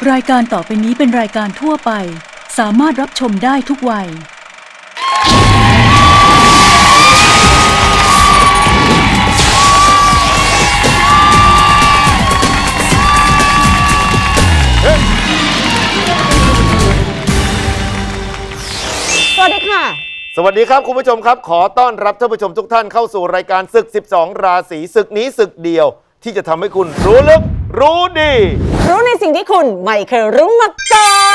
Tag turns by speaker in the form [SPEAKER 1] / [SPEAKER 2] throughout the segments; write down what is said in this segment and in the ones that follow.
[SPEAKER 1] รายการต่อไปนี้เป็นรายการทั่วไปสามารถรับชมได้ทุกวัย
[SPEAKER 2] สวัสดีค่ะ
[SPEAKER 3] สวัสดีครับคุณผู้ชมครับขอต้อนรับท่านผู้ชมทุกท่านเข้าสู่รายการศึก 12 ราศีศึกนี้ศึกเดียวที่จะทำให้คุณรู้ลึกรู้ดี
[SPEAKER 2] รู้ในสิ่งที่คุณไม่เคยรู้มาก่อน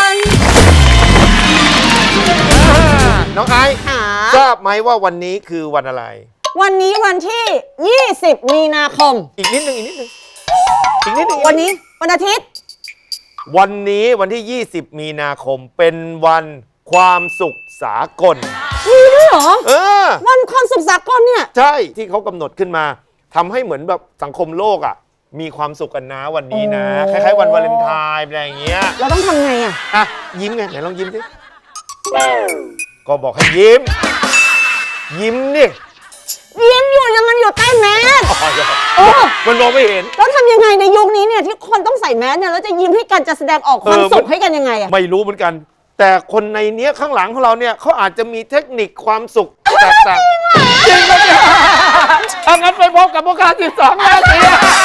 [SPEAKER 3] น้องไอซ์ทราบไหมว่าวันนี้คือวันอะไร
[SPEAKER 2] วันนี้วันที่ 20 มีนาคม
[SPEAKER 3] อีกนิดนึง
[SPEAKER 2] วันนี้วันอาทิตย์
[SPEAKER 3] วันนี้วันที่ 20 มีนาคมเป็นวันความสุขสากล
[SPEAKER 2] มีด้วยเหรอวันความสุขสากลเนี่ย
[SPEAKER 3] ใช่ที่เขากำหนดขึ้นมาทำให้เหมือนแบบสังคมโลกอ่ะมีความสุขกันนะวันนี้นะคล้ายๆวันวาเลนไทน์อะไรอย่างเงี้ย
[SPEAKER 2] เราต้องทำไง
[SPEAKER 3] อ่ะยิ้มไงไหนลองยิ้มสิก็บอกให้ยิ้มนี่
[SPEAKER 2] ยิ้มอยู่ยังมันอยู่ใต้แมส
[SPEAKER 3] มันมองไม่เห็น
[SPEAKER 2] แล้วทำยังไงในยุคนี้เนี่ยที่คนต้องใส่แมสเนี่ยแล้วจะยิ้มให้กันจะแสดงออกความสุขให้กันยังไง
[SPEAKER 3] ไม่รู้เหมือนกันแต่คนในเนี้ยข้างหลังของเราเนี่ยเขาอาจจะมีเทคนิคความสุขแตกต่างจริงไหมเนี่ยถ้างั้นไปพบกับพวกข้า12 ราศี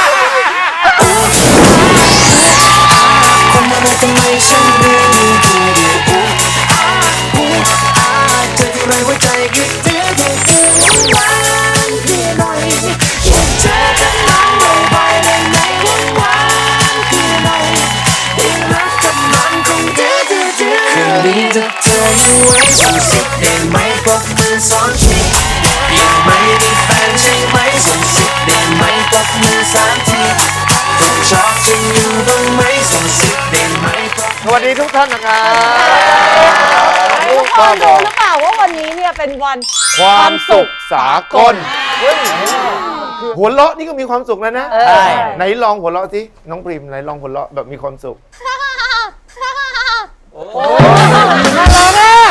[SPEAKER 4] ทำไมฉันดื้อเธอที่ไรหัวใจคิดดื้อหวานพี่หน่อยอยากเจอกับน้องบ่อยๆได้ไหมหวานพี่หน่อยที่รักกับมันคงดื้อคืนนี้ถ้าเธออยู่ไว้ส่งสิได้ไหมปรบมือสองทียังไม่มีแฟนใช่ไหมส่งสิได้ไหมปรบมือ3 ทีชอบจริงอยู่บ้างไหมส่งสิได้ไหม
[SPEAKER 3] สวัสดีทุกท่านนะครับ
[SPEAKER 2] ทุกคนรู้หรือเปล่าว่าวันนี้เนี่ยเป็นวัน
[SPEAKER 3] ความสุขสากลหัวเราะนี่ก็มีความสุขแล้วนะไหนลองหัวเราะสิน้องพริมไหนลองหัวเราะแบบมีความสุข
[SPEAKER 2] น่ารักอ่ะ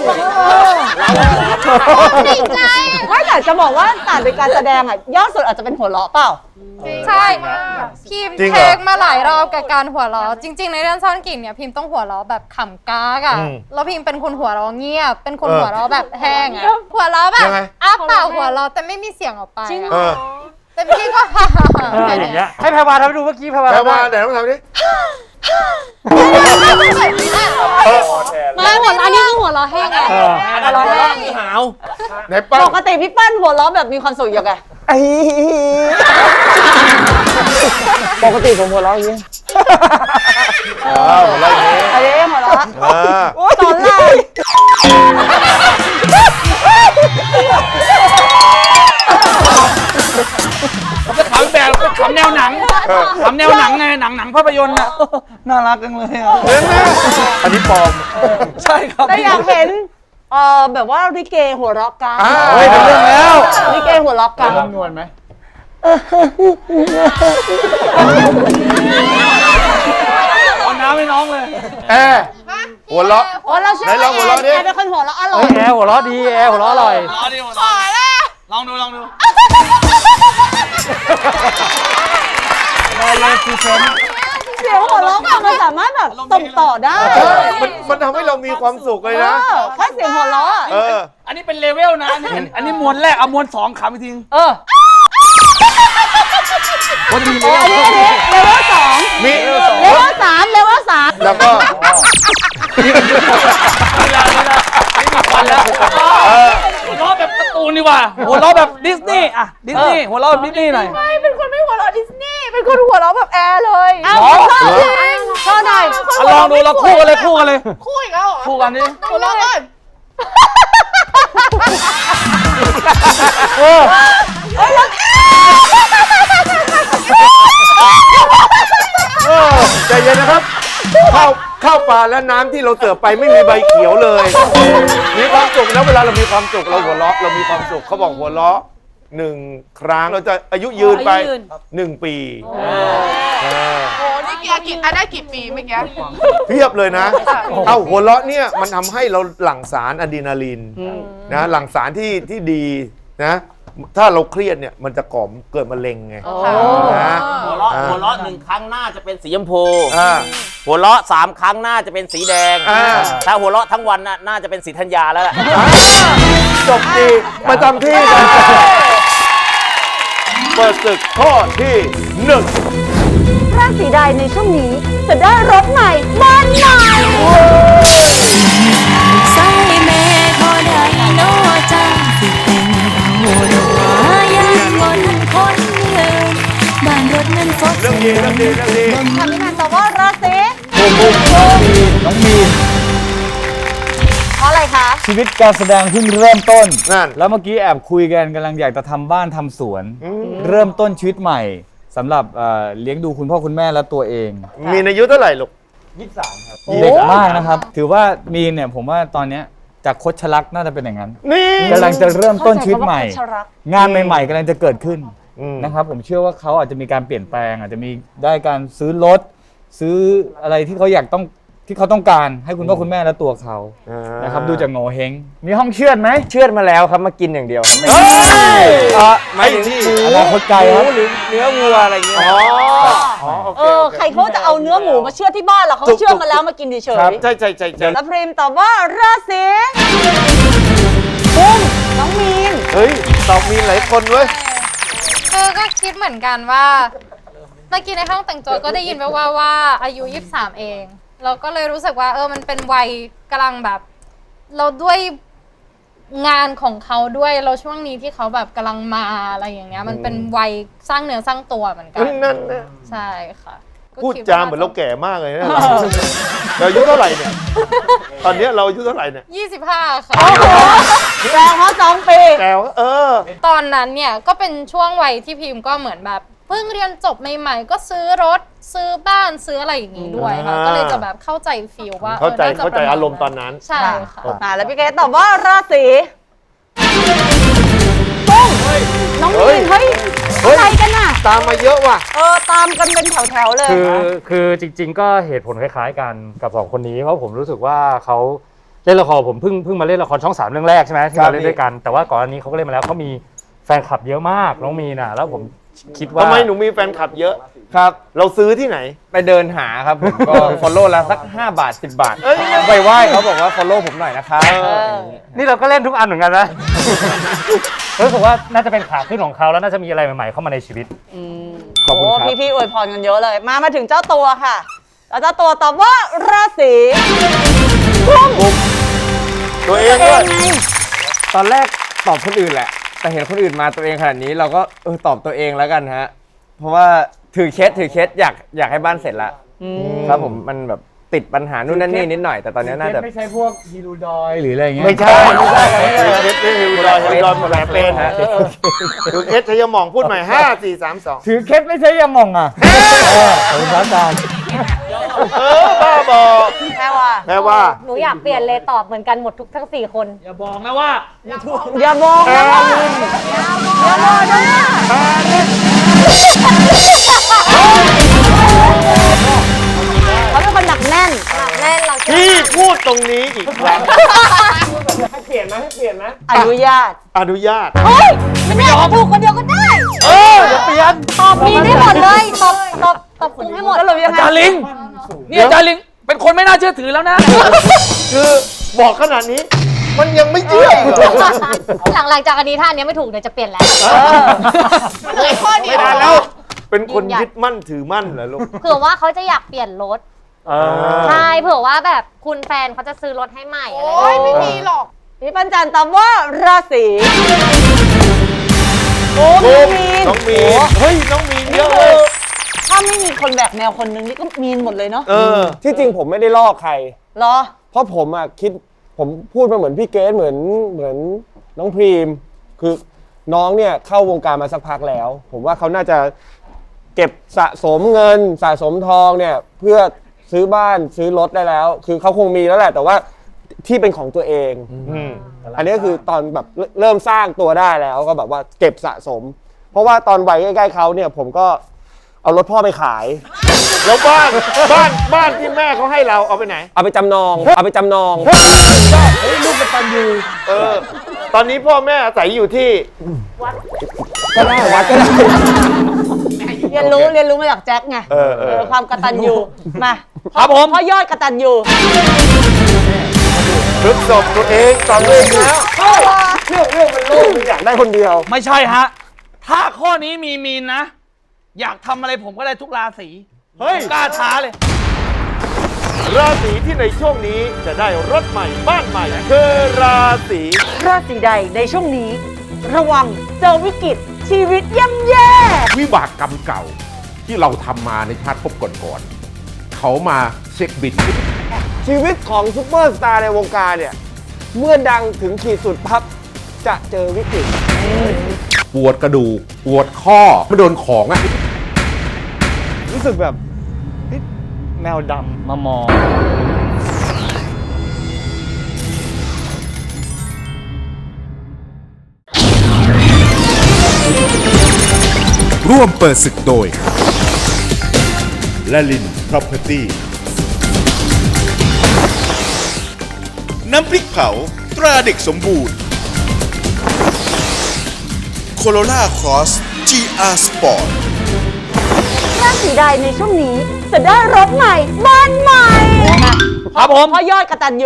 [SPEAKER 2] ดีใจไม่แต่จะบอกว่าต่างเป็นการแสดงอ่ะยอดสุดอาจจะเป็นหัวเราะเปล่า
[SPEAKER 5] ใช่พิมเทคมาหลายรอบกับการหัวเราะจริงๆในเรื่องซ่อนกลิ่นเนี่ยพิมต้องหัวเราะแบบขำก้ากอะแล้วพิมเป็นคนหัวเราะเงียบเป็นคนหัวเราะแบบแห้งอะหัวเราะแบบอ้าปากหัวเราะแต่ไม่มีเสียงออกไปแต่พี่ก็
[SPEAKER 6] อย่างเงี้ยให้แพรวาทำให้ดูเมื่อกี้แพรวา
[SPEAKER 3] เดี๋ยวต้องทำดิ
[SPEAKER 5] ไม่เหมือนอันนี้คือหัวเราะแห้งไง
[SPEAKER 6] หัวเราะแห้งหาว
[SPEAKER 3] ไหนป้า
[SPEAKER 2] ปกติพี่ปั้นหัวเราะแบบมีความสุขยังไงปกติผมหัวเราะอย่างนี้
[SPEAKER 3] หัวเราะอย่างนี้
[SPEAKER 2] อันนี้หัวเราะสอนลาย
[SPEAKER 6] จะขำแบบขำแนวหนังขำแนวหนังไงหนังภาพยนตร์น่ะน่ารักจังเลยอ่ะ
[SPEAKER 3] อันนี้ปลอม
[SPEAKER 6] ใช่ครับ
[SPEAKER 2] แต่อยากเห็นแบบว่าลิเกหัวเราะกัน
[SPEAKER 6] เฮ้ยเป็นเรื่องแล้ว
[SPEAKER 2] ลิเกหัวเราะกัน
[SPEAKER 6] นวลไหมเอาน้ำให้น้องเลย
[SPEAKER 3] หัวเราะ
[SPEAKER 2] เราเชื่อว่าแอร์เป็นคนหัวเราะอร่อย
[SPEAKER 6] แอร์หัวเราะดีแอร์หัวเราะอร่อย
[SPEAKER 5] ขอละ
[SPEAKER 6] ลองดูได้เลยซีเซน
[SPEAKER 2] เสียงหัวเราะมันสามารถแบบส่งต่อได้
[SPEAKER 3] มันทำให้เรามีความสุขเลยนะ
[SPEAKER 2] แค่เสียงหัวเราะ
[SPEAKER 6] อันนี้เป็นเลเวลนะอันนี้มวลแรกเอามวล2ขำอีกที
[SPEAKER 2] วันนี้เลเวล2
[SPEAKER 3] มี
[SPEAKER 2] เลเวล3
[SPEAKER 3] แล้วก็
[SPEAKER 6] หัวเราะแบบการ์ตูนดีกว่าหัวเราะแบบดิสนีย์อะดิสนีย์หัวเราะแบบดิสนีย์หน่อย
[SPEAKER 5] ไม่เป็นคนไม่หัวเราะดิสนีย์เป็นคนหัวเราะแบบแอร์เลย
[SPEAKER 2] ชอบหน่อย
[SPEAKER 6] ลองดูเราคู่กันเลย
[SPEAKER 5] คู่อีกแล้วเหรอ
[SPEAKER 6] คู่กันดิ
[SPEAKER 5] หัวเราะเลย
[SPEAKER 3] ใจเย็นนะครับข้าวปลาและน้ำที่เราเสิร์ฟไปไม่มีใบเขียวเลยมีความสุขแล้วเวลาเรามีความสุขเราหัวเราะเรามีความสุขเขาบอกหัวเราะ1 ครั้งเราจะอายุยืนไป1 ปี
[SPEAKER 5] โอ้นี่ได้กี่ปีเมื่อกี้
[SPEAKER 3] เพียบเลยนะหัวเราะเนี่ยมันทำให้เราหลั่งสารอะดรีนาลีนนะหลั่งสารที่ดีนะถ้าเราเครียดเนี่ยมันจะก่อเกิดมะเร็งไงนะ
[SPEAKER 7] หัวเราะ1 ครั้งหน้าจะเป็นสีชมพู
[SPEAKER 3] อ่า
[SPEAKER 7] หัวเราะ3 ครั้งหน้าจะเป็นสีแดง
[SPEAKER 3] อ่า
[SPEAKER 7] ถ้าหัวเราะทั้งวันน่าจะเป็นสีธัญญาแล้วแหละ
[SPEAKER 3] จบดีประจำที่กันเปิดศึกข้อที่1
[SPEAKER 2] ราศีใดในช่วงนี้จะได้รถใหม่บ้านใหม่
[SPEAKER 8] ใส่แม่ทอได้โนจังสิเป็นเบาดอกว่ายังบนคนเดินบ้านรถนั้นฟอก
[SPEAKER 3] เรื่องดีเรื่องดีเรื่องดี
[SPEAKER 2] ค่ะพี่แมนตอบว่าราศี
[SPEAKER 6] น้องมีน
[SPEAKER 2] เพราะอะไรคะ
[SPEAKER 6] ชีวิตการแสดงเพิ่งเริ่มต้น
[SPEAKER 3] นั่น
[SPEAKER 6] แล้วเมื่อกี้แอบคุยกันกำลังอยากจะทำบ้านทำสวน เริ่มต้นชีวิตใหม่สำหรับเลี้ยงดูคุณพ่อคุณแม่และตัวเอง
[SPEAKER 3] มีอายุเท่าไหร่ลูก
[SPEAKER 6] 23 ครับเด็กมากนะครับ ถือว่ามีนเนี่ยผมว่าตอนเนี้ยจากคดชะลักน่าจะเป็นอย่างนั้น
[SPEAKER 3] นี่
[SPEAKER 6] กำลังจะเริ่มต้นชีวิตใหม่
[SPEAKER 2] เข้าใจคำว่าคดชะลัก
[SPEAKER 6] งานใหม่ๆกำลังจะเกิดขึ้น
[SPEAKER 3] อืม
[SPEAKER 6] นะครับผมเชื่อว่าเขาอาจจะมีการเปลี่ยนแปลง อาจจะมีได้การซื้อรถ ซื้ออะไรที่เขาอยากที่เขาต้องการให้คุณพ่อคุณแม่และตัวเขานะครับดูจากโงเฮงมีห้องเชือดไหม
[SPEAKER 9] เชือดมาแล้วครับมากินอย่างเดียว
[SPEAKER 3] ไม่ที่
[SPEAKER 6] อนาคตไกลครับ
[SPEAKER 9] หรือเนื้อวัวอะไรเงี้ย
[SPEAKER 3] อ๋อโอเคโอเค
[SPEAKER 2] ใครเขาจะเอาเนื้อหมูมาเชื่อดที่บ้านเหรอเขาเชื่อดมาแล้วมากินเฉย
[SPEAKER 3] ครับใช่ใช่ใช่ใช่
[SPEAKER 2] ๆแล้วพริมตอบว่าราศีกุมน้องมีน
[SPEAKER 3] เฮ้ยตอบมีหลายคนเว้ย
[SPEAKER 5] ก็คิดเหมือนกันว่าเมื่อกี้ในห้องแต่งตัวก็ได้ยินแว่วๆว่าอายุ 23 เองเราก็เลยรู้สึกว่ามันเป็นวัยกำลังแบบ เราด้วยงานของเขาด้วยเราช่วงนี้ที่เขาแบบกำลังมาอะไรอย่างเงี้ยมันเป็นวัยสร้างเนื้อสร้างตัวเหมือนกัน
[SPEAKER 3] นั่นนะ
[SPEAKER 5] ใช่ค่ะก็
[SPEAKER 3] พูด
[SPEAKER 5] คิ
[SPEAKER 3] จาเหมือนเราแก่มากเลยนะเราอายุเท่าไหร่เนี่ยตอนเนี้ยเราอายุเท่าไหร่เนี่ย
[SPEAKER 5] 25 ค่ะ
[SPEAKER 2] แซงเขา2 ปี
[SPEAKER 3] แก่วะ
[SPEAKER 5] ตอนนั้นเนี่ยก็เป็นช่วงวัยที่พิมพ์ก็เหมือนแบบเพิ่งเรียนจบใหม่ๆก็ซื้อรถซื้อบ้านซื้ออะไรอย่างนี้ด้วยค่ะก็เลยจะแบบเข้าใจฟีลว่า
[SPEAKER 3] เข้าใจ
[SPEAKER 5] น่จะ
[SPEAKER 3] เข้าใจ
[SPEAKER 5] ปะณ
[SPEAKER 3] อารมณ์ตอนนั้น
[SPEAKER 5] ใช่ค่ะ
[SPEAKER 2] แล้วพี่เกดตอบว่าราศีกุ้งน้องมีนเฮ้ยอะไรกันน่ะ
[SPEAKER 3] ตามมาเยอะว่ะ
[SPEAKER 2] ตามกันเป็นแถวๆเลย
[SPEAKER 10] คือจริง ๆ ก็เหตุผลคล้ายๆกันกับ2 คนนี้เพราะผมรู้สึกว่าเขาเล่นละครผมเพิ่งมาเล่นละครช่อง 3 เรื่องแรกใช่ไหมที่เราเล่นด้วยกันแต่ว่าก่อนอันนี้เขาก็เล่นมาแล้วเขามีแฟนคลับเยอะมากน้องมีน่ะแล้วผมคิดว่า
[SPEAKER 3] ทำไมหนูมีแฟนคลับเยอะ
[SPEAKER 9] ครับ
[SPEAKER 3] เราซื้อที่ไหน
[SPEAKER 9] ไปเดินหาครับผมก็ follow แล้วสัก5 บาท 10 บาท
[SPEAKER 3] เอ้ย
[SPEAKER 9] ไปไหว้เขาบอกว่า follow ผมหน่อยนะครับ
[SPEAKER 10] นี่เราก็เล่นทุกอันเหมือนกันนะ รู้สึกว่าน่าจะเป็นขาขึ้นของเขาแล้วน่าจะมีอะไรใหม่ๆเข้ามาในชีวิต
[SPEAKER 9] ขอบคุณครับ
[SPEAKER 2] พี่ๆอวยพรกันเยอะเลย มาถึงเจ้าตัวค่ะแล้วเจ้าตัวตอบว่าราศีกุม
[SPEAKER 3] ตัวเองด้วย
[SPEAKER 9] ตอนแรกตอบคนอื่นแหละ แต่เห็นคนอื่นมาตัวเองขนาดนี้เราก็ตอบตัวเองแล้วกันฮะ เพราะว่าถือเคสอยากให้บ้านเสร็จละครับผมมันแบบติดปัญหานู่นนั่นนี่นิดหน่อยแต่ตอนนี้น่าจะ
[SPEAKER 6] ไม่ใช่พวกฮีรูดอยหรืออะไรเงี้ย
[SPEAKER 3] ไม่ใช่เอสนี่ฮิวดอยฮิวดอยหมดแผลเป็นคือเอสชัยหมองพูดใหม่5 4 3 2
[SPEAKER 6] ถือเคสไม่ใช่ยามองอ่ะขอบคุณครับอาจารย์
[SPEAKER 3] บ้าบอ
[SPEAKER 2] แค่ว่า
[SPEAKER 3] แปลว่า
[SPEAKER 11] หนูอยากเปลี่ยนเลยตอบเหมือนกันหมดทั้ง 4 คน
[SPEAKER 6] อย่าบอกนะว่า
[SPEAKER 2] อย่ามองนะว่าอย่ามองนะเขาเป็นคนหนักแน่น
[SPEAKER 11] แน่นเรา
[SPEAKER 3] พี่พูดตรงนี้อีกครั้ง
[SPEAKER 2] อนุญาต
[SPEAKER 3] อนุญาต
[SPEAKER 11] เฮ้ยไม่ได้ถูกคนเดียวก็ได้
[SPEAKER 3] อย่าเปลี่ยน
[SPEAKER 11] ตอบมีได้หมดเลยตอบคุณให้หมด
[SPEAKER 2] สรุปยังไง
[SPEAKER 6] อาจารย์ลิงเนี่ยอาจารย์ลิงเป็นคนไม่น่าเชื่อถือแล้วนะ
[SPEAKER 3] คือบอกขนาดนี้มันยังไม่เชื่ออีกเหรอ
[SPEAKER 11] หลังจากอันนี้ถ้าอันนี้ไม่ถูกเดี๋ยวจะเปลี่ยนแล้ว
[SPEAKER 3] ไม่ได้แล้ว เป็นคนยึดมั่นถือมั่นเหรอลูก
[SPEAKER 11] เผื่อว่าเขาจะอยากเปลี่ยนรถใช่เผื่อว่าแบบคุณแฟนเขาจะซื้อรถให้ใหม่อะไรอย่างเงี้ย
[SPEAKER 5] ไม่มีหรอก
[SPEAKER 2] พี่ปัญจันตอบว่าราศีกุมน้องมีน
[SPEAKER 3] น้องมีนเฮ้ยน้องมีนเยอะเลย
[SPEAKER 2] ถ้าไม่มีคนแบกแนวคนนึงนี่ก็มีนหมดเลยเนาะ
[SPEAKER 9] ที่จริงผมไม่ได้ลอกใคร
[SPEAKER 2] เหรอ
[SPEAKER 9] เพราะผมผมพูดมาเหมือนพี่เกสเหมือนน้องพรีม คือน้องเนี่ยเข้าวงการมาสักพักแล้ว ผมว่าเขาน่าจะเก็บสะสมเงินสะสมทองเนี่ยเพื่อซื้อบ้านซื้อรถได้แล้ว คือเขาคงมีแล้วแหละ แต่ว่าที่เป็นของตัวเอง อันนี้ก็คือตอนแบบเริ่มสร้างตัวได้แล้วก็แบบว่าเก็บสะสม เพราะว่าตอนวัยใกล้ๆเขาเนี่ยผมก็เอารถพ่อไปขาย
[SPEAKER 3] แล้วบ้านที่แม่เขาให้เราเอาไปไหน
[SPEAKER 9] เอาไปจำนอง
[SPEAKER 6] เฮ้ยลูกกตัญญู
[SPEAKER 3] ตอนนี้พ่อแม่อาศัยอยู่ที่
[SPEAKER 9] ก็ได้วัดก็ได้
[SPEAKER 2] เรียนรู้มาจากแจ็คไงความกตัญญูมา
[SPEAKER 7] ครับผม
[SPEAKER 2] พ่อยอดกตัญญู
[SPEAKER 3] พฤกษบตัวเองตอบเองแล้ว
[SPEAKER 9] เรื่องมันโล่งมันอยากได้คนเดียว
[SPEAKER 12] ไม่ใช่ฮะ ถ้าข้อนี้มีมีนนะ อยากทำอะไรผมก็ได้ทุกราศี
[SPEAKER 3] เฮ้ย
[SPEAKER 12] กล้าท้าเลย
[SPEAKER 3] ราศีที่ในช่วงนี้จะได้รถใหม่บ้านใหม่คือราศี
[SPEAKER 2] ราศีใดในช่วงนี้ ระวังเจอวิกฤตชีวิตย่ำแย่
[SPEAKER 13] วิบากกรรมเก่าที่เราทำมาในชาติภพก่อนๆเขามาเช็คบิด
[SPEAKER 9] ชีวิตของซุปเปอร์สตาร์ในวงการเนี่ย เมื่อดังถึงขีดสุดพับจะเจอวิกฤต
[SPEAKER 13] ปวดกระดูกปวดข้อไม่โดนของอะ
[SPEAKER 6] รู้สึกแบบเฮ้ยแมวดำมามอง
[SPEAKER 14] ร่วมเปิดศึกโดยละลิน Property น้ำพริกเผาตราเด็กสมบูรณ์ Corolla Cross GR Sport
[SPEAKER 2] ราศีใดในช่วงนี้จะได้รถใหม่บ้านใหม่ครับผมพ่อยอดกตัญญู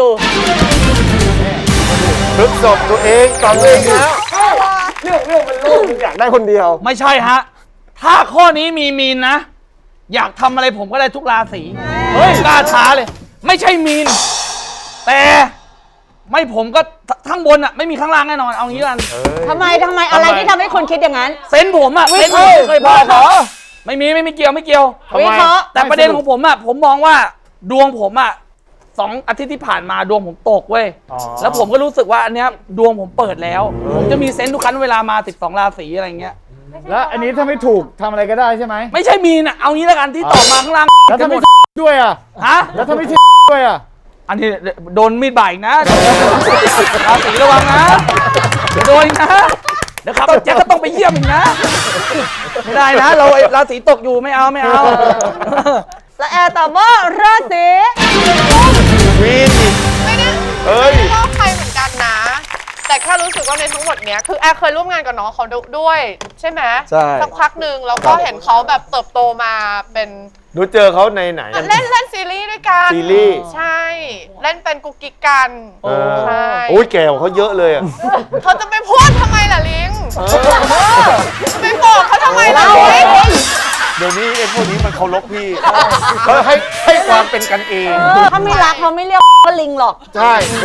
[SPEAKER 3] พฤกษบตัวเองตอบเองแล้ว
[SPEAKER 9] เรื่องมันโล่งมันอยากได้คนเดียว
[SPEAKER 12] ไม่ใช่ฮะ ถ้าข้อนี้มีมีนนะ อยากทำอะไรผมก็ได้ทุกราศีเฮ้ยกล้าท้าเลย ไม่ใช่มีน แต่ไม่ผมก็ข้างบนอะไม่มีข้างล่างแน่นอนเอางี้กัน
[SPEAKER 2] ทำไมอะไรที่ทำให้คนคิดอย่างนั้น
[SPEAKER 12] เซนส์ผมอะเซนส์ผมไม่เคยพลาดเหรอไม่มีเกี่ยว
[SPEAKER 2] วิเคราะห์
[SPEAKER 12] แต่ประเด็นของผมอะผมมองว่าดวงผมอะ2 อาทิตย์ที่ผ่านมาดวงผมตกเว้ยแล้วผมก็รู้สึกว่าอันเนี้ยดวงผมเปิดแล้ว ผมจะมีเซนส์ทุกครั้งเวลามา12 ราศีอะไรเงี้ย
[SPEAKER 6] แล้วอันนี้ถ้าไม่ถูกทำอะไรก็ได้ใช่ไหม
[SPEAKER 12] ไม่ใช่มีนะเอางี้แล้วกันที่ตอบมาข้างล่าง
[SPEAKER 6] แล้วถ้าไม่ด้วยอ่ะ
[SPEAKER 12] ฮะ
[SPEAKER 6] แล้วถ้าไม่ด้วยอ่ะ
[SPEAKER 12] อันนี้โดนมีดบาดอีกนะราศีระวังนะเดี๋ยวโดนอีกนะเดี๋ยวครับแจ็คก็ต้องไปเยี่ยมอีกนะไม่ได้นะเราราศีตกอยู่ไม่เอา
[SPEAKER 2] และแอร์ตอบว่าราศี
[SPEAKER 3] วีนอีก
[SPEAKER 5] ไม่ได้
[SPEAKER 3] เอ้ย
[SPEAKER 5] ไม่ชอบใครเหมือนกันนะ แต่แค่รู้สึกว่าในทั้งหมดเนี้ยคือแอร์เคยร่วมงานกับน้องเขาด้วยใช่ไหม
[SPEAKER 9] ใช่
[SPEAKER 5] สักพักหนึ่งแล้วก็เห็นเขาแบบเติบโตมาเป็น
[SPEAKER 3] หนูเจอเขาในไหน
[SPEAKER 5] เล่นซีรีส์ด้วยกัน
[SPEAKER 3] ซีรีส์
[SPEAKER 5] ใช่ เล่นเป็นกุ๊กกิ๊กกันใช่
[SPEAKER 3] โอ้ยแก่กว่าเขาเยอะเลยอ่ะ
[SPEAKER 5] เขาจะไปพูดทำไมล่ะลิงไปบอกเขาทำไมล่ะลิง
[SPEAKER 3] เดี๋ยวนี้ไอ้พวกนี้มันเคารพพี่เขาให้ความเป็นกันเอง
[SPEAKER 2] ถ้าไม่รักเขาไม่เรียกว่าลิงหรอก
[SPEAKER 3] ใช่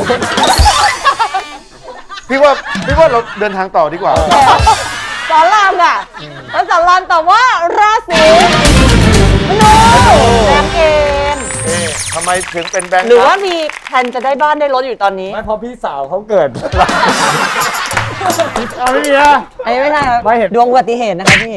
[SPEAKER 3] พี่ว่าเราเดินทางต่อดีกว่า
[SPEAKER 2] สอนรามอ่ะแล้วสอนรามตอบว่าราศีมนูแบงค์เอง
[SPEAKER 3] ทำไมถึงเป็นแบงค์
[SPEAKER 2] หรือว่ามีแผนจะได้บ้านได้รถอยู่ตอนนี้
[SPEAKER 6] ไม่เพราะพี่สาวเขาเกิด เอาไม่มีนะ
[SPEAKER 2] อันนี้ไม่ใช่ครับ
[SPEAKER 6] ไม่เห็น
[SPEAKER 2] ดวงอุบัติเหตุนะคะพี่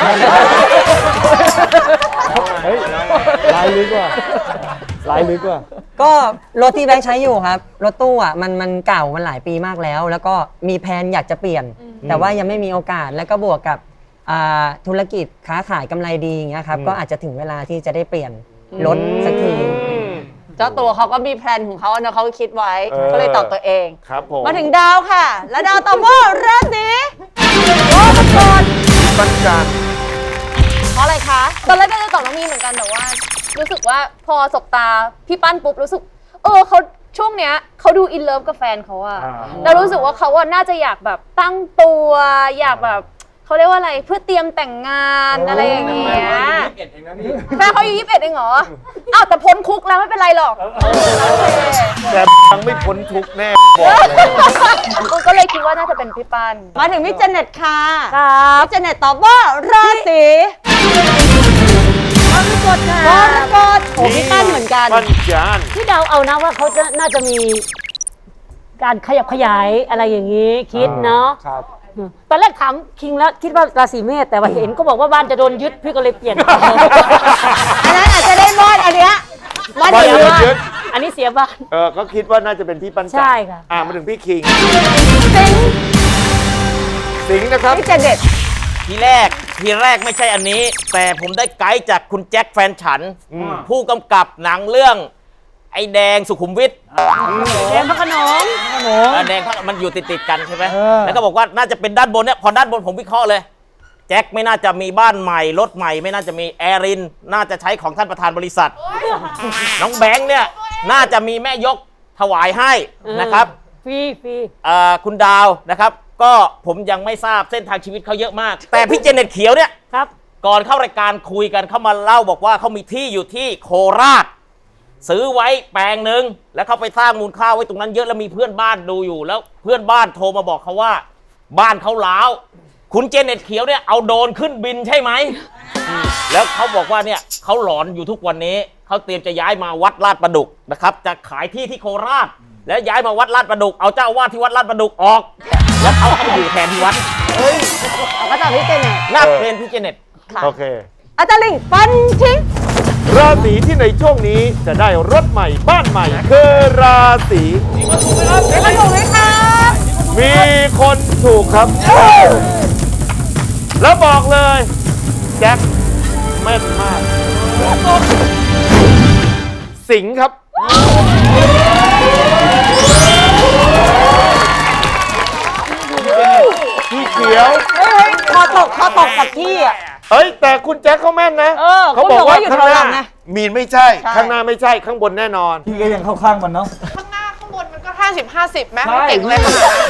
[SPEAKER 6] เฮ้ยลายลึกว่าลายลึกว่า
[SPEAKER 15] ก็รถที่แบงค์ใช้อยู่ครับ รถตู้อ่ะมันเก่ามันหลายปีมากแล้ว แล้วก็มีแผนอยากจะเปลี่ยน แต่ว่ายังไม่มีโอกาสแล้วก็บวกกับธุรกิจค้าขายกำไรดีอย่างเงี้ยครับก็อาจจะถึงเวลาที่จะได้เปลี่ยนรถสักที
[SPEAKER 2] เจ้าตัวเขาก็มีแพลนของเขาเนอะเขาก็คิดไว้ก็เลยตอบตัวเอง
[SPEAKER 3] ครับผม
[SPEAKER 2] มาถึงดาวค่ะ แล้วดาวตอบว่าราศีกรกฎ
[SPEAKER 3] ปัญจาน
[SPEAKER 11] เพราะอะไรคะ ตอนแรกก็จะตอบน้องมีเหมือนกันแต่ว่า รู้สึกว่าพอสบตาพี่ปั้นปุ๊บรู้สึกเขาช่วงเนี้ยเขาดูอินเลิฟกับแฟนเขาอะแล้วรู้สึกว่าเขาอะน่าจะอยากแบบตั้งตัวอยากแบบเขาเรียกว่าอะไรเพื่อเตรียมแต่งงานอะไรอย่างเงี้ยแฟนเขาอายุ21เองเหรออ้าวแต่พ้นคุกแล้วไม่เป็นไรหรอก
[SPEAKER 3] แต่ยังไม่พ้นทุกข์แน่บอกเลย
[SPEAKER 11] ก็เลยคิดว่าน่าจะเป็นพี่ปั้น
[SPEAKER 2] มาถึงพี่เจเน็ตค่ะ
[SPEAKER 11] ครับ
[SPEAKER 2] พี่เจเน็ตตอบว่าราศีกรกฎค่ะกรกฎโอ้พี่ตั้นเหมือนกัน
[SPEAKER 3] ปัญจาน
[SPEAKER 16] ที่เดาเอานะว่าเขาจะน่าจะมีการขยับขยายอะไรอย่างนี้คิดเนาะ
[SPEAKER 9] ครับ
[SPEAKER 16] ตอนแรกถามคิงแล้วคิดว่าราศีเมษแต่ว่าเห็นก็บอกว่าบ้านจะโดนยึดพี่ก็เลยเปลี่ยน
[SPEAKER 2] อันนั้นอาจจะได้บ้านอันเนี้ยบ้าน
[SPEAKER 3] บ้าน
[SPEAKER 2] เดียว
[SPEAKER 3] ยึด
[SPEAKER 16] อันนี้เสียบ้าน
[SPEAKER 3] ก็คิดว่าน่าจะเป็นพี่ปัญจาน
[SPEAKER 16] ใช่ค่ะ
[SPEAKER 3] มาถึงพี่คิง
[SPEAKER 2] สิง
[SPEAKER 3] สิงห์นะครับ
[SPEAKER 2] พี่เจเน็ต
[SPEAKER 7] ทีแรกไม่ใช่อันนี้ แต่ผมได้ไกด์จากคุณแจ็คแฟนฉัน ผู้กำกับหนังเรื่องอ้แดงสุขุมวิท
[SPEAKER 16] แดงพระโขนง
[SPEAKER 7] แดงมันอยู่ติดกันใช่ไหมแล้วก็บอกว่าน่าจะเป็นด้านบนเนี่ยพอด้านบนผมวิเคราะห์เลยแจ็คไม่น่าจะมีบ้านใหม่รถใหม่ไม่น่าจะมีแอรินน่าจะใช้ของท่านประธานบริษัทน้องแบงค์เนี่ยน่าจะมีแม่ยกถวายให้นะครับ
[SPEAKER 16] ฟรี
[SPEAKER 7] คุณดาวนะครับก็ผมยังไม่ทราบเส้นทางชีวิตเขาเยอะมากแต่พี่เจเน็ตเขียวเนี่ย
[SPEAKER 16] ครับ
[SPEAKER 7] ก่อนเข้ารายการคุยกันเขามาเล่าบอกว่าเขามีที่อยู่ที่โคราชซื้อไว้แปลงหนึ่งแล้วเขาไปสร้างมูลค่าไว้ตรงนั้นเยอะแล้วมีเพื่อนบ้านดูอยู่แล้วเพื่อนบ้านโทรมาบอกเขาว่าบ้านเขาล้าวคุณเจเน็ตเขียวเนี่ยเอาโดรนขึ้นบินใช่ไหมแล้วเขาบอกว่าเนี่ยเขาหลอนอยู่ทุกวันนี้เขาเตรียมจะย้ายมาวัดลาดประดุกนะครับจะขายที่โคราชแล้วย้ายมาวัดลาดประดุกเอาเจ้าวาดที่วัดลาดประดุกออกแล้วเขาเข้ามาอยู่แทนที่วัด
[SPEAKER 2] ก็จะพี่เจเน็ต
[SPEAKER 7] น่าเป็นพี่เจเน็ต
[SPEAKER 3] โอเค
[SPEAKER 2] อาจารย์ลิงฟันทิ้ง
[SPEAKER 3] ราศีที่ในช่วงนี้จะได้รถใหม่บ้านใหม่คือราศีมีคนถูกไหมครับมีคนถูกครับแล้วบอกเลยแจ็คแม่นมากสิงห์ครับพี่เขียว
[SPEAKER 2] คอตกกับที่อ่ะ
[SPEAKER 3] แต่คุณแจ็คเขาแม่นนะเขาบอกว่าข้างหน้ามีนไม่ใช่ข้างหน้าไม่ใช่ข้างบนแน่นอน
[SPEAKER 6] พี่ก็ยังเข้าข้างมันเนาะ
[SPEAKER 11] ข้างหน้าข้างบนมันก็50-50ไหมเก่งเลย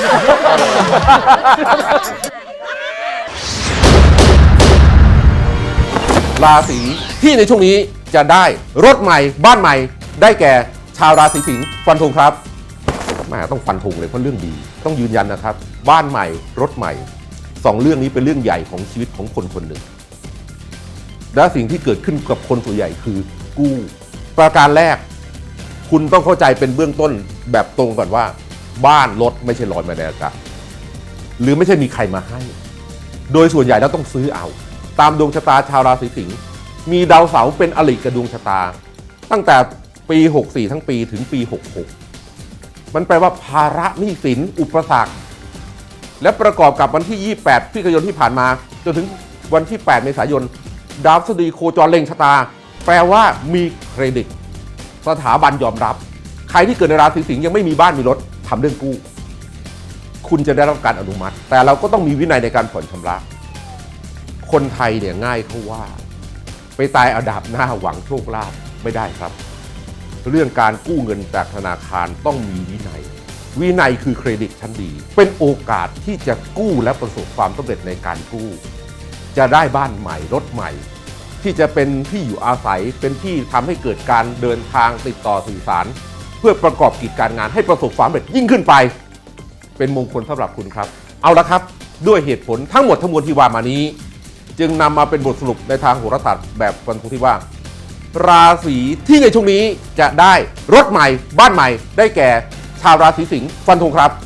[SPEAKER 13] ราศีที่ในช่วงนี้จะได้รถใหม่บ้านใหม่ได้แก่ชาวราศีสิงห์ฟันธงครับแม่ต้องฟันธงเลยเพราะเรื่องดีต้องยืนยันนะครับบ้านใหม่รถใหม่2เรื่องนี้เป็นเรื่องใหญ่ของชีวิตของคนคนหนึ่งและสิ่งที่เกิดขึ้นกับคนส่วนใหญ่คือกู้ประการแรกคุณต้องเข้าใจเป็นเบื้องต้นแบบตรงก่อนว่าบ้านรถไม่ใช่ลอยมาในอากาศหรือไม่ใช่มีใครมาให้โดยส่วนใหญ่แล้วต้องซื้อเอาตามดวงชะตาชาวราศีสิงห์มีดาวเสาร์เป็นอริกับดวงชะตาตั้งแต่ปี64ทั้งปีถึงปี66มันแปลว่าภาระหนี้สินอุปสรรคและประกอบกับวันที่28พฤศจิกายนที่ผ่านมาจนถึงวันที่8เมษายนดาวพฤหัสบดีโคจรเล็งชะตาแปลว่ามีเครดิตสถาบันยอมรับใครที่เกิดในราศีสิงห์ยังไม่มีบ้านมีรถทำเรื่องกู้คุณจะได้รับการอนุมัติแต่เราก็ต้องมีวินัยในการผ่อนชำระคนไทยเนี่ยง่ายเขาว่าไปตายเอาดาบหน้าหวังโชคลาภไม่ได้ครับเรื่องการกู้เงินจากธนาคารต้องมีวินัยคือเครดิตชั้นดีเป็นโอกาสที่จะกู้และประสบความสำเร็จในการกู้จะได้บ้านใหม่รถใหม่ที่จะเป็นที่อยู่อาศัยเป็นที่ทำให้เกิดการเดินทางติดต่อสื่อสารเพื่อประกอบกิจการงานให้ประสบความสำเร็จยิ่งขึ้นไปเป็นมงคลสำหรับคุณครับเอาละครับด้วยเหตุผลทั้งหมดทั้งมวลที่ว่ามานี้จึงนำมาเป็นบทสรุปในทางโหราศาสตร์แบบฟันธงที่ว่าราศีที่ในช่วงนี้จะได้รถใหม่บ้านใหม่ได้แก่ชาวราศีสิงห์ฟันธงครับ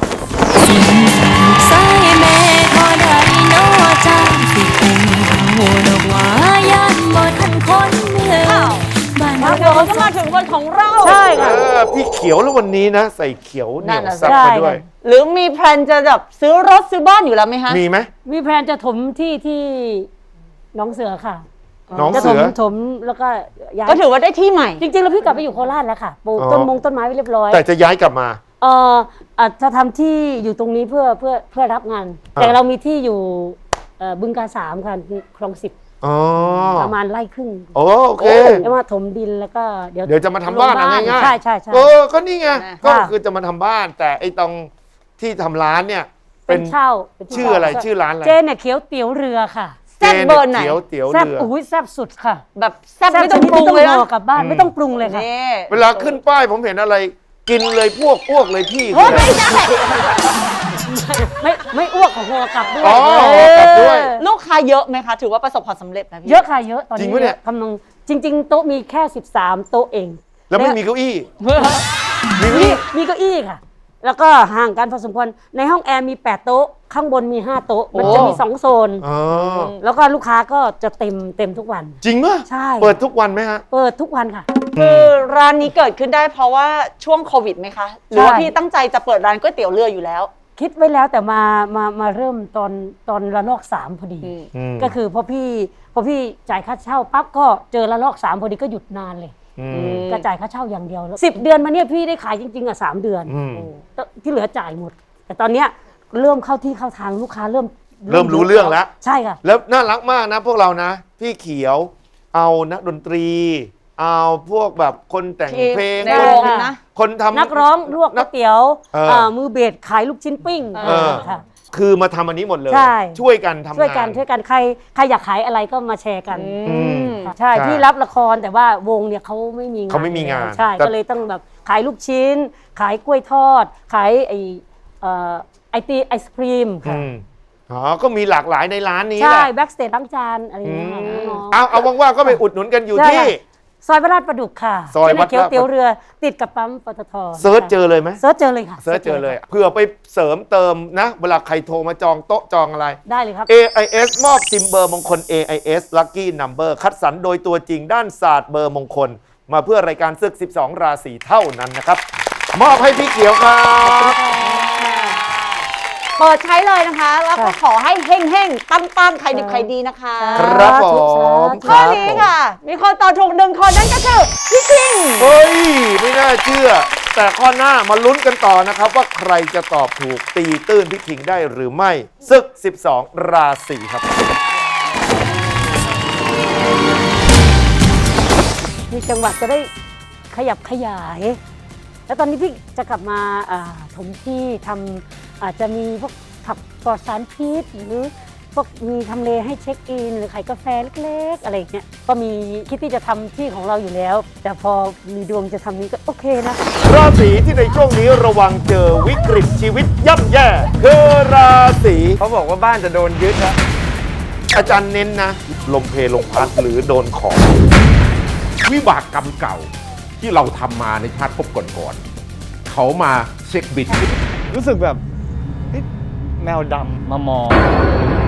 [SPEAKER 8] สายแม่พอได้โนจังสิเป็นโหดอกว่ายันบ่ทันคนเมืองบ้านเรา
[SPEAKER 2] ก็มาถึงคนของเรา
[SPEAKER 16] ใช่ค่ะ
[SPEAKER 3] พี่เขียวแล้ววันนี้นะใส่เขียวเหนียวซับมาด้วย
[SPEAKER 2] หรือมีแพลนจะแบบซื้อรถซื้อบ้านอยู่แล้วไหมฮะ
[SPEAKER 3] มีไหม
[SPEAKER 16] มีแพลนจะถมที่น้องเสือค่ะ
[SPEAKER 3] น้องเสือ
[SPEAKER 16] ถมแล้วก็ย้าย
[SPEAKER 2] ก็ถือว่าได้ที่ใหม่
[SPEAKER 16] จริงๆแล้วพี่กลับไปอยู่โคราชแล้วค่ะปลูกต้นไม้ไว้เรียบร้อย
[SPEAKER 3] แต่จะย้ายกลับมา
[SPEAKER 16] จะทำที่อยู่ตรงนี้เพื่อรับงานแต่เรามีที่อยู่บึงกาฬ3ค่ะคลอง10ประมาณไร่ครึ่ง
[SPEAKER 3] โอเค
[SPEAKER 16] แล้วมาถมดินแล้วก็เดี๋ยว
[SPEAKER 3] จะมาทำบ้านง่าย
[SPEAKER 16] ๆใช่
[SPEAKER 3] ก็นี่ไงก็คือจะมาทำบ้านแต่ไอ้ตรงที่ทำร้านเนี่ย
[SPEAKER 16] เป็นเช่า
[SPEAKER 3] ชื่ออะไรชื่อร้านอะไร
[SPEAKER 16] เจเนี่ยเขียวเตี๋ยวเรือค่ะ
[SPEAKER 2] แซ่บเบอร์ไหน
[SPEAKER 16] แซ่บอุ้ยแซ่บสุดค่ะ
[SPEAKER 2] แบบแซ่บไม่ต้องปรุงเลยนะ
[SPEAKER 16] กลับบ้านไม่ต้องปรุงเลยค่ะ
[SPEAKER 3] เวลาขึ้นป้ายผมเห็นอะไรกินเลยพวกอ้วกเลยพี่
[SPEAKER 2] ไม่ใช่
[SPEAKER 16] ไม่อ้วกของหัวกลับ
[SPEAKER 3] ด้วย
[SPEAKER 2] ลูกค้าเยอะไหมคะถือว่าประสบความสำเร็จนะพี่
[SPEAKER 16] เยอะค่ะเยอะตอนนี้กำลังจริงๆโต๊ะมีแค่13โต๊ะเอง
[SPEAKER 3] แล้วไม่มีเก้าอี้
[SPEAKER 16] มีเก้าอี้ค่ะแล้วก็ห่างกันพอสมควรในห้องแอร์มี8โต๊ะข้างบนมี5โต๊ะมันจะมี2โซนแล้วก็ลูกค้าก็จะเต็มทุกวัน
[SPEAKER 3] จริงป่ะ
[SPEAKER 16] ใช่
[SPEAKER 3] เปิดทุกวันไหมฮะ
[SPEAKER 16] เปิดทุกวันค่ะ
[SPEAKER 2] คือร้านนี้เกิดขึ้นได้เพราะว่าช่วงโควิดไหมคะหรือว่าพี่ตั้งใจจะเปิดร้านก๋วยเตี๋ยวเรืออยู่แล้ว
[SPEAKER 16] คิดไว้แล้วแต่มาเริ่มตอนระลอก3พอดีก็คือพอพี่จ่ายค่าเช่าปั๊บก็เจอระลอก3พอดีก็หยุดนานเลยก็จ่ายค่าเช่าอย่างเดียวแล้ว10 เดือนมาเนี่ยพี่ได้ขายจริงๆอ่ะ3 เดือนที่เหลือจ่ายหมด แต่ตอนเนี้ยเริ่มเข้าที่เข้าทางลูกค้าเริ่ม
[SPEAKER 3] รู้เรื่องแล้ว
[SPEAKER 16] ใช่ค่ะ
[SPEAKER 3] แล้วน่ารักมากนะพวกเรานะ พี่เขียวเอานักดนตรี เอาพวกแบบคนแต่งเพลงคนทำ
[SPEAKER 16] นักร้องลวกก๋วยเตี๋ยวมือเบสขายลูกชิ้นปิ้งค่ะ
[SPEAKER 3] คือมาทำอันนี้หมดเลย
[SPEAKER 16] ใช่
[SPEAKER 3] ช่วยกันทำงาน
[SPEAKER 16] ช่วยกันใครอยากขายอะไรก็มาแชร์กันใช่ที่รับละครแต่ว่าวงเนี่ยเขาไม่มีงานใช่ก็เลยต้องแบบขายลูกชิ้น ขายกล้วยทอด ขายไอศครีมค่ะ
[SPEAKER 3] ก็มีหลากหลายในร้านนี้
[SPEAKER 16] ใช่แบ็กสเตจล้างจานอะไรอย่างเงี้ย
[SPEAKER 3] เอาว่างๆก็ไปอุดหนุนกันอยู่ที่
[SPEAKER 16] ซอยวัดลาดประดุกค่ะ
[SPEAKER 3] ซอยวัดลาด
[SPEAKER 16] เตี๋ยวเรือติดกับปั๊มปตท.
[SPEAKER 3] เซิร์ชเจอเลยไหม
[SPEAKER 16] เซิร์ชเจอเลยค่ะ
[SPEAKER 3] เซิร์ชเจอเลยเผื่อไปเสริมเติมนะเวลาใครโทรมาจองโต๊ะจองอะไร
[SPEAKER 16] ได้เลยครับ
[SPEAKER 3] AIS มอบซิมเบอร์มงคล AIS Lucky Number คัดสรรโดยตัวจริงด้านศาสตร์เบอร์มงคลมาเพื่อรายการศึก12 ราศีเท่านั้นนะครับมอบให้พี่เขียวครับ
[SPEAKER 2] เปิดใช้เลยนะคะแล้วก็ขอให้เฮ่งๆตั้มๆใครดิบใครดีนะคะ
[SPEAKER 3] ครับผม
[SPEAKER 2] ข้อนี้ค่ะมีคนตอบถูก1 คนนั่นก็คือพี่คิง
[SPEAKER 3] เฮ้ยไม่น่าเชื่อแต่ข้อหน้ามาลุ้นกันต่อนะครับว่าใครจะตอบถูกตีตื้นพี่คิงได้หรือไม่ศึก12 ราศีครับ
[SPEAKER 16] มีจังหวัดจะได้ขยับขยายแล้วตอนนี้พี่จะกลับมาถมที่ทำอาจจะมีพวกผักปลอดสารพิษหรือพวกมีทำเลให้เช็คอินหรือขายกาแฟเล็กๆอะไรอย่างเงี้ยก็มีคิดที่จะทำที่ของเราอยู่แล้วแต่พอมีดวงจะทำนี้ก็โอเคนะ
[SPEAKER 3] ราศีที่ในช่วงนี้ระวังเจอวิกฤตชีวิตย่ำแย่คือราศี
[SPEAKER 9] เขาบอกว่าบ้านจะโดนยึดนะ
[SPEAKER 3] อาจารย์เน้นนะลมเพลมพัดหรือโดนของ
[SPEAKER 13] วิบากกรรมเก่าที่เราทำมาในชาติภพก่อนๆเขามาเช็คบิด
[SPEAKER 6] รู้สึกแบบแมวดำมามอง